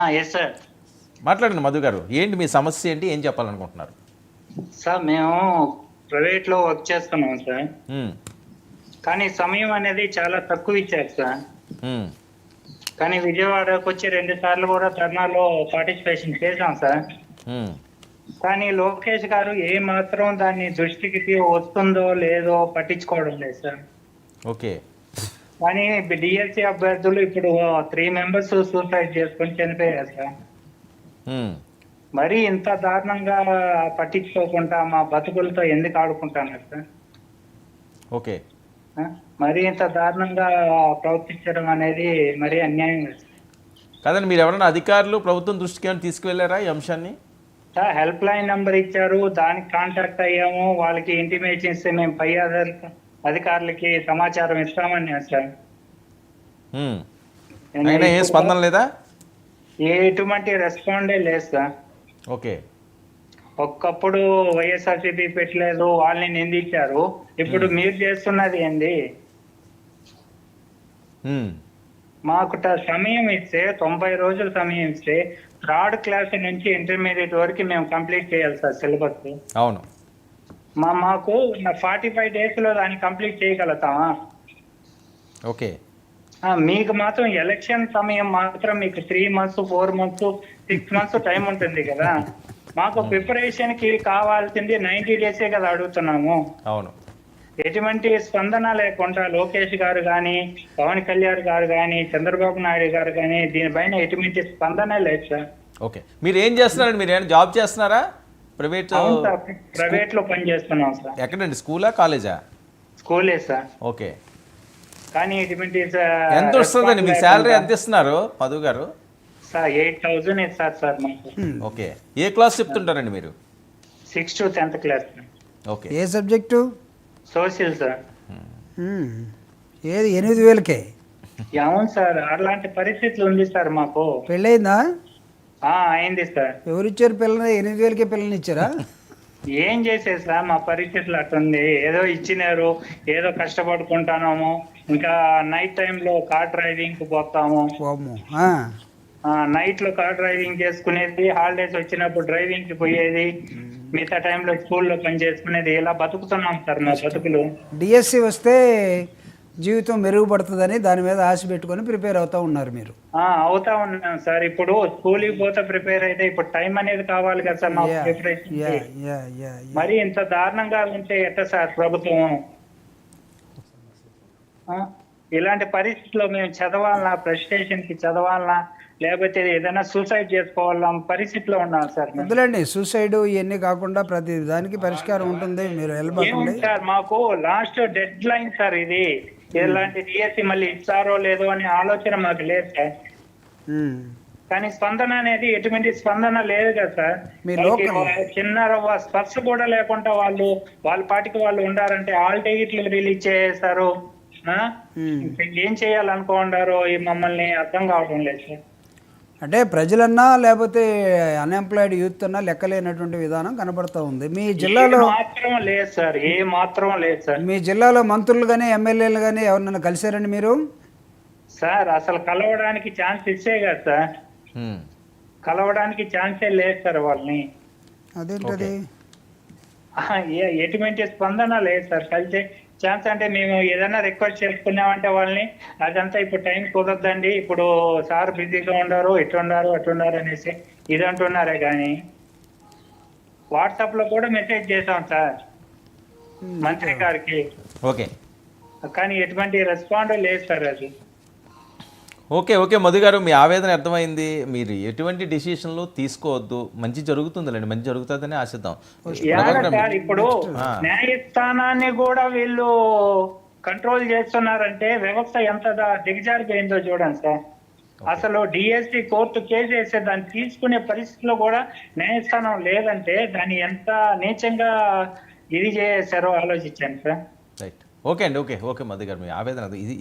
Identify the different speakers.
Speaker 1: Yes sir.
Speaker 2: మాట్లాడండి మధు గారు, ఏంటి మీ సమస్య, ఏంటి, ఏం చెప్పాలనుకుంటున్నారు?
Speaker 1: సార్ మేము ప్రైవేట్లో వర్క్ చేస్తున్నాం సార్.
Speaker 2: ఉమ్,
Speaker 1: కానీ సమయం అనేది చాలా తక్కువ ఇచ్చారు సార్.
Speaker 2: ఉమ్,
Speaker 1: కానీ విజయవాడకు వచ్చి 2 సార్లు కూడా ధర్నాలో పార్టిసిపేషన్ చేశాం సార్.
Speaker 2: ఉమ్,
Speaker 1: కానీ లోకేష్ గారు ఏ మాత్రం దాన్ని దృష్టికి వస్తుందో లేదో పట్టించుకోవడం లేదు సార్.
Speaker 2: ఓకే.
Speaker 1: కానీ డిఎస్సి అభ్యర్థులు ఇప్పుడు 3 మెంబర్స్ సూసైడ్ చేసుకొని చనిపోయారు సార్.
Speaker 2: ఉమ్,
Speaker 1: మరి ఇంత దారుణంగా పట్టించుకోకుండా మా బతుకులతో ఎందుకు ఆడుకుంటున్నారు సార్?
Speaker 2: ఓకే.
Speaker 1: ఆ? మరి ఇంత దారుణంగా ప్రవర్తించడం అనేది మరీ అన్యాయం కదా సార్.
Speaker 2: కాదండి, మీరు ఎవరైనా అధికారులు ప్రభుత్వం దృష్టికి ఏమైనా తీసుకువెళ్ళారా ఈ అంశాన్ని?
Speaker 1: సార్ హెల్ప్ లైన్ నెంబర్ ఇచ్చారు, దానికి కాంటాక్ట్ అయ్యాము, వాళ్ళకి ఇంటిమేషన్ ఇస్తే మేము పై అధికారులకి సమాచారం ఇస్తామని సార్.
Speaker 2: ఉమ్, అయినా ఏ స్పందన లేదా?
Speaker 1: ఎటువంటి రెస్పాండే లేదు సార్.
Speaker 2: ఓకే.
Speaker 1: ఒక్కప్పుడు వైఎస్ఆర్సీపీ పెట్టలేదు, వాళ్ళని నిందించారు. ఇప్పుడు మీరు చేస్తున్నది ఏంది?
Speaker 2: ఉమ్,
Speaker 1: మాకు సమయం ఇస్తే 90 రోజులు సమయం ఇస్తే 3rd క్లాస్ నుంచి ఇంటర్మీడియట్ వరకు మేము కంప్లీట్ చేయాలి సార్ సిలబస్.
Speaker 2: అవును.
Speaker 1: మాకు 45 days లో దాన్ని కంప్లీట్ చేయగలుగుతామా?
Speaker 2: ఓకే.
Speaker 1: మీకు మాత్రం ఎలక్షన్ సమయం మాత్రం మీకు 3 months 4 months 6 months టైం ఉంటుంది కదా. మాకు ప్రిపరేషన్ కి కావాల్సింది 90 days కదా అడుగుతున్నాము.
Speaker 2: అవును.
Speaker 1: ఎటువంటి స్పందన లేకుండా లోకేష్ గారు కానీ, పవన్ కళ్యాణ్ గారు కానీ, చంద్రబాబు నాయుడు గారు కానీ దీనిపైన ఎటువంటి స్పందన లేదు సార్.
Speaker 2: ఓకే. మీరు ఏం చేస్తున్నారండి? మీరు ఏమైనా జాబ్ చేస్తున్నారా?
Speaker 1: ప్రైవేట్ లో పని చేస్తున్నాం సార్.
Speaker 2: ఎక్కడండి? స్కూలా, కాలేజా?
Speaker 1: స్కూలే సార్.
Speaker 2: ఓకే.
Speaker 1: కానీ ఇటువంటి
Speaker 2: ఎంత వస్తుందండి మీ శాలరీ? ఎంత ఇస్తున్నారు మధు గారు?
Speaker 1: సార్ 8,000 ఇస్తారు సార్ మాకు.
Speaker 2: ఓకే. ఏ క్లాస్ చెప్తుంటారండి మీరు?
Speaker 1: 6th to 10th class.
Speaker 2: Okay.
Speaker 3: ఏ సబ్జెక్టు?
Speaker 1: Social sir.
Speaker 3: ఏది 8,000కే?
Speaker 1: అవును సార్, అలాంటి పరిస్థితులు ఉంది సార్ మాకు.
Speaker 3: పెళ్ళయిందా?
Speaker 1: అయింది సార్.
Speaker 3: ఎవరిచ్చారు పిల్లని? 8,000కే పిల్లని ఇచ్చారా?
Speaker 1: ఏం చేసేది సార్, మా పరిస్థితులు అట్టుంది. ఏదో ఇచ్చినారు, ఏదో కష్టపడుకుంటున్నాము. ఇంకా నైట్ టైంలో కార్ డ్రైవింగ్ కు పోతాము. నైట్ లో కార్ డ్రైవింగ్ చేసుకునేది, హాలిడేస్ వచ్చినప్పుడు డ్రైవింగ్ కి పోయేది, మిగతా టైంలో స్కూల్లో పని చేసుకునేది. ఇలా బతుకుతున్నాం సార్ మా బతుకులు.
Speaker 3: డిఎస్సి వస్తే జీవితం మెరుగుపడుతుందని దాని మీద ఆశ పెట్టుకొని ప్రిపేర్ అవుతా ఉన్నారు మీరు?
Speaker 1: అవుతా ఉన్నాం సార్. ఇప్పుడు స్కూల్కి పోతే ప్రిపేర్ అయితే ఇప్పుడు టైం అనేది కావాలి కదా సార్ మాకు ప్రిపరేషన్. మరి ఇంత దారుణంగా ఉంటే ఎట్లా సార్ ప్రభుత్వం? ఇలాంటి పరిస్థితుల్లో మేము చదవాలన్నా, ప్రెస్టేషన్ కి చదవాలన్నా, లేకపోతే ఏదైనా సూసైడ్ చేసుకోవాలన్నా పరిస్థితిలో ఉన్నాం సార్.
Speaker 3: వద్దులేండి, సూసైడ్ ఇవన్నీ కాకుండా ప్రతి దానికి పరిష్కారం ఉంటుంది. మీరు వెళ్ళబోతుంది
Speaker 1: సార్. మాకు లాస్ట్ డెడ్ లైన్ సార్ ఇది. ఇలాంటి డిఎస్సి మళ్ళీ ఇస్తారో లేదో అనే ఆలోచన మాకు లేదు సార్. కానీ స్పందన అనేది ఎటువంటి స్పందన లేదు కదా సార్. చిన్న స్పర్శ కూడా లేకుండా వాళ్ళ పాటికి వాళ్ళు ఉండారంటే ఆల్ టికెట్లు రిలీజ్ చేస్తారు. ఏం చేయాలనుకుంటారో ఈ మమ్మల్ని అర్థం కావడం లేదు సార్.
Speaker 3: అంటే ప్రజలన్నా లేకపోతే అన్ఎంప్లాయిడ్ యూత్ అన్నా లెక్కలేనటువంటి విధానం కనబడుతూ ఉంది మీ జిల్లాలో.
Speaker 1: మాత్రం లేదు సార్, ఏ మాత్రం లేదు సార్.
Speaker 3: మీ జిల్లాలో మంత్రులు కానీ ఎమ్మెల్యేలు కానీ ఎవరినైనా కలిసారండి మీరు?
Speaker 1: సార్ అసలు కలవడానికి ఛాన్స్ ఇచ్చే కదా సార్. కలవడానికి ఛాన్సే లేదు సార్ వాళ్ళని.
Speaker 3: అదేంటది?
Speaker 1: ఎటువంటి స్పందన లేదు సార్. కలిసే ఛాన్స్ అంటే మేము ఏదైనా రిక్వెస్ట్ చేసుకున్నామంటే వాళ్ళని అదంతా ఇప్పుడు టైం కుదరదండి, ఇప్పుడు సార్ బిజీగా ఉండారు, అట్లున్నారు అనేసి ఇది అంటున్నారే. కానీ వాట్సాప్ లో కూడా మెసేజ్ చేసాం సార్ మంత్రి గారికి.
Speaker 2: ఓకే.
Speaker 1: కానీ ఎటువంటి రెస్పాండ్ లేదు సార్. అది
Speaker 2: ఓకే. ఓకే మధు గారు, మీ ఆవేదన అర్థమైంది. మీరు ఎటువంటి డిసిషన్లు తీసుకోవద్దు, మంచి జరుగుతుందిలేండి, మంచి జరుగుతుందని ఆశిద్దాం.
Speaker 1: సార్ ఇప్పుడు న్యాయస్థానాన్ని కూడా వీళ్ళు కంట్రోల్ చేస్తున్నారంటే వ్యవస్థ ఎంత దిగజారిపోయిందో చూడండి సార్. అసలు డిఎస్సి కోర్టు కేసు వేస్తే దాన్ని తీసుకునే పరిస్థితిలో కూడా న్యాయస్థానం లేదంటే దాన్ని ఎంత నీచంగా ఇది చేశారో ఆలోచించాను సార్.
Speaker 2: రైట్. ఓకే అండి. ఓకే. ఓకే మధు గారు, మీ ఆవేదన ఇది